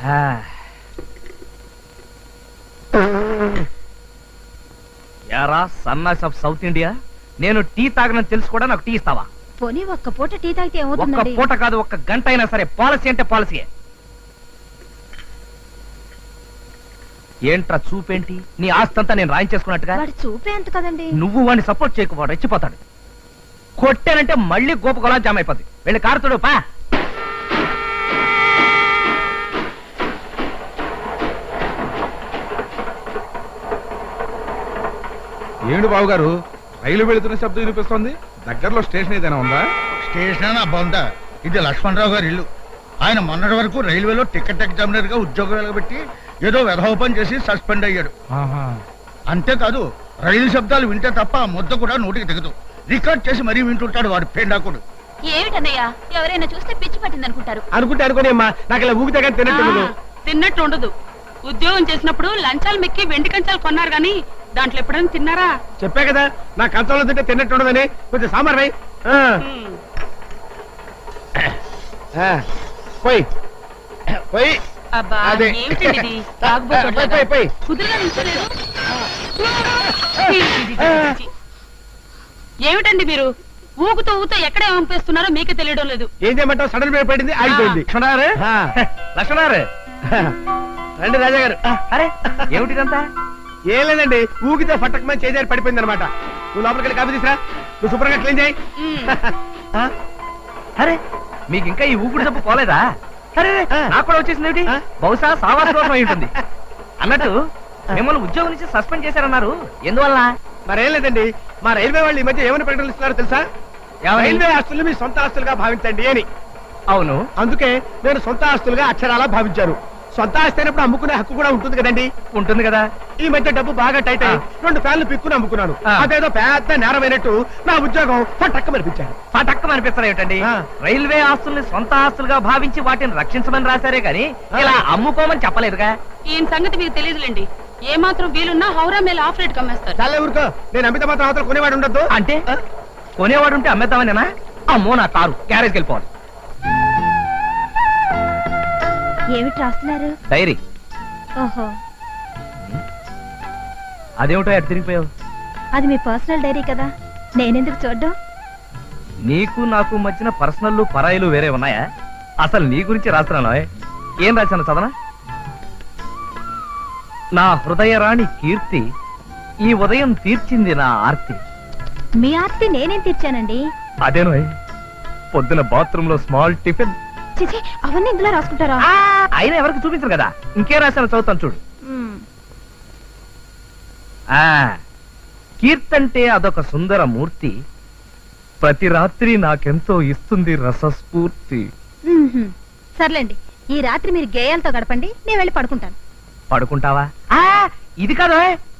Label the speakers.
Speaker 1: యారా సన్నాస్ of South India, నేను టీ తాగనని తెలుసు కూడా నాకు టీ ఇస్తావా?
Speaker 2: పోనీ ఒక్క పూట టీ తాగితే
Speaker 1: ఒక్క
Speaker 2: ఏమవుతుందండి?
Speaker 1: పూట కాదు, ఒక్క గంట అయినా సరే. పాలసీ అంటే పాలసీయే. ఏంట్రా చూపేంటి? నీ ఆస్తంతా నేను రాయించేసుకున్నట్టుగా.
Speaker 2: వాడు చూపే అంత కదండి.
Speaker 1: నువ్వు వాడిని సపోర్ట్ చేయకపోవడం రెచ్చిపోతాడు. కొట్టానంటే మళ్ళీ గోప గొలా జామ్ అయిపోద్ది. వెళ్ళి కారుతుడు పా.
Speaker 3: ఏమిటి బాబు గారు, రైలు వెళుతున్న శబ్దం వినిపిస్తోంది? దగ్గరలో స్టేషన్ ఏదైనా ఉందా?
Speaker 4: స్టేషన్ బొంద. ఇది లక్ష్మణరావు గారి ఇల్లు. ఆయన మొన్నటి వరకు రైల్వేలో టికెట్ ఎగ్జామినర్ గా ఉద్యోగం వెలగబెట్టి ఏదో వెధోపం చేసి సస్పెండ్ అయ్యాడు. అంతేకాదు, రైలు శబ్దాలు వింటే తప్ప ఆ ముద్ద కూడా నోటికి దిగదు. రికార్డ్ చేసి మరీ వింటుంటాడు వాడు పేండాకుడు.
Speaker 2: ఏమిటన్నయ్యా, ఎవరైనా చూస్తే పిచ్చి పట్టింది అనుకుంటారు.
Speaker 1: అనుకోని అమ్మా, నాకు ఇలా ఊగితే కానీ
Speaker 5: తిన్నట్టు ఉండదు. ఉద్యోగం చేసినప్పుడు లంచాలు మెక్కి వెండి కంచాలు కొన్నారు గాని దాంట్లో ఎప్పుడైనా తిన్నారా?
Speaker 1: చెప్పా కదా, నా కంచంలో తింటే తిన్నట్టు ఉండదని. కొంచెం సాంబార్ పోయి పోయి పోయి.
Speaker 5: అబ్బా,
Speaker 1: అదే.
Speaker 5: ఏమిటండి ఇది? తాగుబోతులాగా. కుదురుగా నిల్చోలేరు? ఏమిటండి మీరు ఊగుతూ ఊగుతూ ఎక్కడ పంపిస్తున్నారో మీకే తెలియడం లేదు.
Speaker 1: ఏం చేయమంటావు? సడన్ బ్రేక్ పడింది, ఆగిపోయింది. లక్ష్మణారు రండి రాజా గారు. అరే ఏమిటిదంతా? ఏం లేదండి, ఊగితే ఫట్టకమని చేజారి పడిపోయింది అనమాట. నువ్వు లోపలికి వెళ్ళి కాఫీ తీసురా, నువ్వు శుభ్రంగా క్లీన్ చేయి. అరే మీకు ఇంకా ఈ ఊపిరి జబ్బు పోలేదా? అరే నాకు కూడా వచ్చేసింది ఏమిటి? బహుశా సావాస దోషం అయి ఉంటుంది. అన్నట్టు మిమ్మల్ని ఉద్యోగం నుంచి సస్పెండ్ చేశారన్నారు, ఎందువల్ల? మరేం లేదండి, మా రైల్వే వాళ్ళు ఈ మధ్య ఏమని ప్రకటనలు ఇస్తున్నారో తెలుసా? రైల్వే ఆస్తులు మీ సొంత ఆస్తులుగా భావించండి అని. అవును, అందుకే నేను సొంత ఆస్తులుగా అక్షరాలా భావించారు. సొంత ఆస్తి అయినప్పుడు అమ్ముకునే హక్కు కూడా ఉంటుంది కదండి. ఉంటుంది కదా. ఈ మధ్య డబ్బు బాగా టైట్ అయ్యి 2 ఫ్యాన్లు పిక్కుని అమ్ముకున్నాను. అదేదో పెద్ద నేరమైనట్టు నా ఉద్యోగం పటక్కమనిపించాను. పటక్కమనిపిస్తారు ఏమిటండి? రైల్వే ఆస్తుల్ని సొంత ఆస్తులుగా భావించి వాటిని రక్షించమని రాశారే గాని ఇలా అమ్ముకోమని చెప్పలేదుగా.
Speaker 5: ఈయన సంగతి మీకు తెలియదులేండి. ఏ మాత్రం వీలున్నా హౌరా మేల ఆఫ్ రేట్ కమ్మేస్తారు.
Speaker 1: చాలా ఊరుకో, నేను అమ్మితే మాత్రం అవతల కొనేవాడు ఉండద్దు. అంటే కొనేవాడు ఉంటే అమ్మేద్దామనేనా? అమ్మో, నా కారు గ్యారేజ్కి వెళ్ళిపోవాలి.
Speaker 2: ఏమిటి రాస్తున్నారు?
Speaker 1: డైరీ.
Speaker 2: ఓహో,
Speaker 1: అదేమిటో ఎటు తిరిగిపోయావు?
Speaker 2: అది మీ పర్సనల్ డైరీ కదా, నేనెందుకు చూడ్డం?
Speaker 1: నీకు నాకు మధ్యన పర్సనల్ పరాయిలు వేరే ఉన్నాయా? అసలు నీ గురించి రాస్తున్నాను. ఏం రాశాను చదవనా? నా హృదయరాణి కీర్తి ఈ ఉదయం తీర్చింది నా ఆర్తి.
Speaker 2: మీ ఆర్తి నేనేం తీర్చానండి?
Speaker 1: అదేనో పొద్దున బాత్రూమ్ లో స్మాల్ టిఫిన్.
Speaker 2: చిచి, అవన్నీ ఇందులో రాసుకుంటారా?
Speaker 1: అయినా ఎవరికి చూపించరు కదా, ఇంకే రాశాను చదువుతాను చూడు. కీర్తంటే అదొక సుందర మూర్తి, ప్రతి రాత్రి నాకెంతో ఇస్తుంది రసస్ఫూర్తి.
Speaker 2: సర్లేండి, ఈ రాత్రి మీరు గేయాలతో గడపండి, నేను వెళ్ళి పడుకుంటాను.
Speaker 1: పడుకుంటావా? ఇది కాదు,